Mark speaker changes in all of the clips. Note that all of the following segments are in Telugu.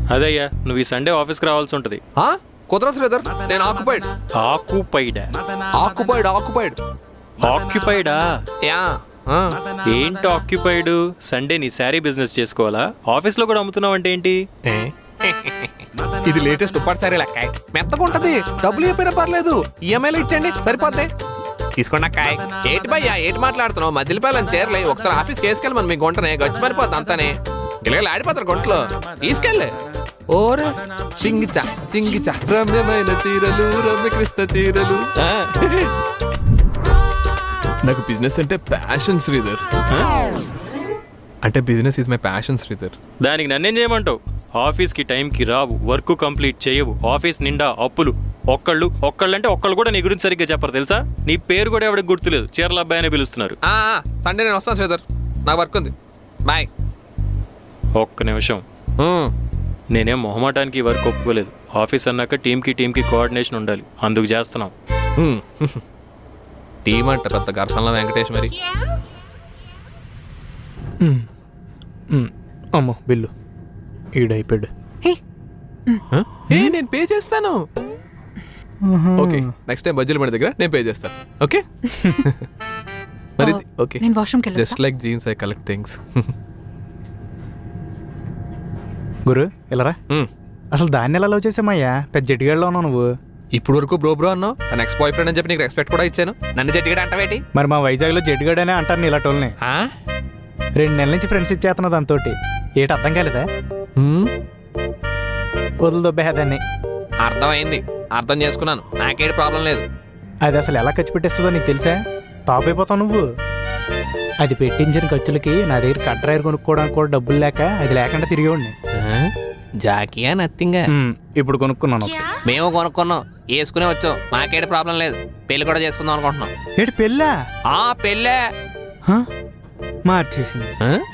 Speaker 1: అదయ్యా, నువ్వు ఈ సండే ఆఫీస్కి రావాల్సి ఉంటుంది.
Speaker 2: కుదరదు శ్రీధర్, నేను ఆక్యుపైడ్.
Speaker 1: ఆక్యుపైడా?
Speaker 2: యా.
Speaker 1: ఏంటి ఆక్యుపైడ్? సండే నీ శారీ బిజినెస్ చేసుకోవాలా? ఆఫీస్లో కూడా అమ్ముతున్నావు అంటే ఏంటి?
Speaker 2: ఇది లేటెస్ట్ ఉప్పాడు సారీ లెక్క, మెత్తగా ఉంటది. డబ్బులు చెప్పినా పర్లేదు, ఈఎంఐలో ఇచ్చండి సరిపోద్ది. తీసుకోండి అక్కాయ్. ఏంటి భయ్యా, ఏంటి మాట్లాడుతున్నావు? మధ్యపాలని చేరలే, ఒకసారి ఆఫీస్ వేసుకెళ్ళి మనం మీ గుంటనే గచ్చి మరిపోద్ది అంతానే. ఇలాగ ఆడిపోతారు గుంటలో, తీసుకెళ్ళి. ఓరే చింగిచా చింగిచా రమ్యమైన చీరలు, రమ్యకృష్ణ చీరలు. నాకు బిజినెస్ అంటే ప్యాషన్ శ్రీధర్. అంటే business is my passion Sridhar.
Speaker 1: దానికి నన్నేం చేయమంటావు? ఆఫీస్కి టైంకి రావు, వర్క్ కంప్లీట్ చేయవు, ఆఫీస్ నిండా అప్పులు. ఒక్కళ్ళంటే ఒక్కళ్ళు కూడా నీ గురించి సరిగ్గా చెప్పరు తెలుసా? నీ పేరు కూడా ఎవరికి గుర్తులేదు, చీరల అబ్బాయి అనే పిలుస్తున్నారు.
Speaker 2: సండే నేను వస్తాను శ్రీధర్, నాకు వర్క్ ఉంది. బాయ్.
Speaker 1: ఒక్క నిమిషం, నేనేం మొహమాటానికి వర్క్ ఒప్పుకోలేదు. ఆఫీస్ అన్నాక టీంకి కోఆర్డినేషన్ ఉండాలి, అందుకు చేస్తున్నాం.
Speaker 2: టీం అంట పెద్ద ఘర్షణలో వెంకటేష్ మరి.
Speaker 3: అమ్మో బిల్లు ఈడైపోయాడు.
Speaker 2: నేను పే చేస్తాను. ఓకే, నెక్స్ట్ టైం బజ్జీల మన దగ్గర నేను పే చేస్తాను. ఓకే మరి. ఓకే,
Speaker 4: నేను వాష్రూమ్కి వెళ్ళొస్తా.
Speaker 2: Just like jeans I collect things.
Speaker 3: గురు ఇలారా. అసలు దాన్ని ఎలా లవ్ చేసామయ్యా? పెద్ద జట్టుగాడిలో ఉన్నావు నువ్వు.
Speaker 2: ఇప్పుడు వరకు బ్రో అన్నావు, తన ఎక్స్ బాయ్ ఫ్రెండ్ అని చెప్పి నీకు రెస్పెక్ట్ కూడా ఇచ్చాను. నన్ను జట్టుగాడు అంటావేటి?
Speaker 3: మరి మా వైజాగ్లో జట్టుగాడనే అంటారు ఇలా టోల్ని. 2 నెలల నుంచి ఫ్రెండ్షిప్ చేస్తున్నావు దాంతో. ఏటి అర్థం కాలేదా? వదులు దొబ్బేదాన్ని.
Speaker 2: అర్థమైంది, అర్థం చేసుకున్నాను, నాకేటి ప్రాబ్లం లేదు.
Speaker 3: అది అసలు ఎలా ఖర్చు పెట్టేస్తుందో నీకు తెలుసా? టాప్ అయిపోతావు నువ్వు. అది పెట్టించిన ఖర్చులకి నా దగ్గర కట్రాయర్ కొనుక్కోవడానికి కూడా డబ్బులు లేక అది లేకుండా తిరిగేవాడిని.
Speaker 2: జాకియా నథింగ్.
Speaker 3: ఇప్పుడు కొనుక్కున్నాను.
Speaker 2: మేము కొనుక్కున్నాం, వేసుకునే వచ్చాం, మాకేటి ప్రాబ్లం లేదు. పెళ్లి కూడా చేసుకుందాం అనుకుంటున్నాం.
Speaker 3: ఏటి పెళ్ళా?
Speaker 2: పెళ్ళే
Speaker 3: మార్చేసింది.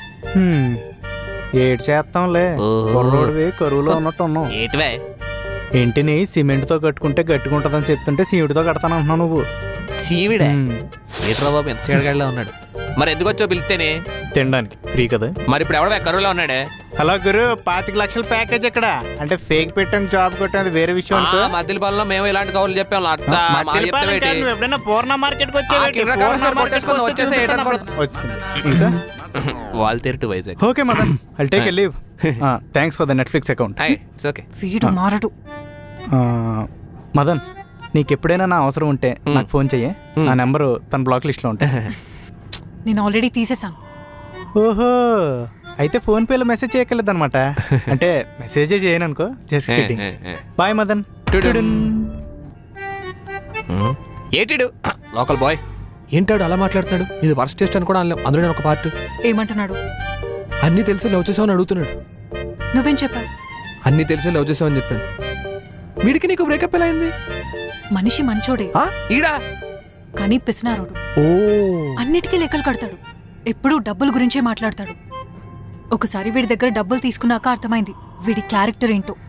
Speaker 3: ఏడు చేస్తాంలే, కుర్రోడివి కరువులో ఉన్నట్టు ఉన్నావు.
Speaker 2: ఏటివే?
Speaker 3: ఇంటిని సిమెంట్తో కట్టుకుంటే గట్టుకుంటుందని చెప్తుంటే సీవుడితో కడతాను అంటున్నావు నువ్వు.
Speaker 2: చీవిడే ఏట్రా బాబు, ఎంత సీడగాడిలో ఉన్నాడు. మరి ఎందుకు వచ్చావు పిలిస్తేనే?
Speaker 3: తినడానికి ఫ్రీ కదా.
Speaker 2: మరి ఇప్పుడు ఎవడ కరువులో ఉన్నాడే?
Speaker 3: హలో గురు, 25 లక్షల ప్యాకేజ్ ఇక్కడ. అంటే ఫేక్ పెట్టాను జాబ్ కొట్టాను, వేరే విషయం.
Speaker 2: మధ్యలో పనుల్లో మేము ఇలాంటి కౌలు చెప్పాము.
Speaker 3: ఎప్పుడైనా Purna market
Speaker 2: Waltair Vizag.
Speaker 3: Okay Madan, I'll take a leave. Thanks for the Netflix account.
Speaker 4: వీడు మారడు.
Speaker 3: మదన్, నీకు ఎప్పుడైనా నా అవసరం ఉంటే నాకు ఫోన్ చెయ్యి. నా నెంబరు తన బ్లాక్ లిస్ట్లో ఉంటుంది.
Speaker 4: నేను ఆల్రెడీ తీసేసాను.
Speaker 3: ఓహో, అయితే ఫోన్ పేలో మెసేజ్ చేయగలదు అనమాట. అంటే మెసేజే చేయను అనుకో, జస్ట్ కిడ్డింగ్. బాయ్ మదన్.
Speaker 2: ఏటిడు లోకల్ బాయ్ ఏంటాడు అలా మాట్లాడుతున్నాడు? ఇది వర్స్ట్ టెస్ట్ అని కూడా అందులో నేను ఒక పార్ట్.
Speaker 4: ఏమంటున్నాడు?
Speaker 2: అన్నీ తెలిసి లవ్ చేసావని అడుగుతున్నాడు.
Speaker 4: నువ్వేం చెప్పావు?
Speaker 2: అన్నీ తెలిసి లవ్ చేసావని చెప్పాను. వీడికి నీకు బ్రేకప్ ఎలా అయింది?
Speaker 4: మనిషి మంచోడే
Speaker 2: ఈడా,
Speaker 4: కానీ పిసినారోడు. అన్నిటికీ లెక్కలు కడతాడు, ఎప్పుడూ డబ్బుల గురించే మాట్లాడతాడు. ఒకసారి వీడి దగ్గర డబ్బులు తీసుకున్నాక అర్థమైంది వీడి క్యారెక్టర్ ఏంటో.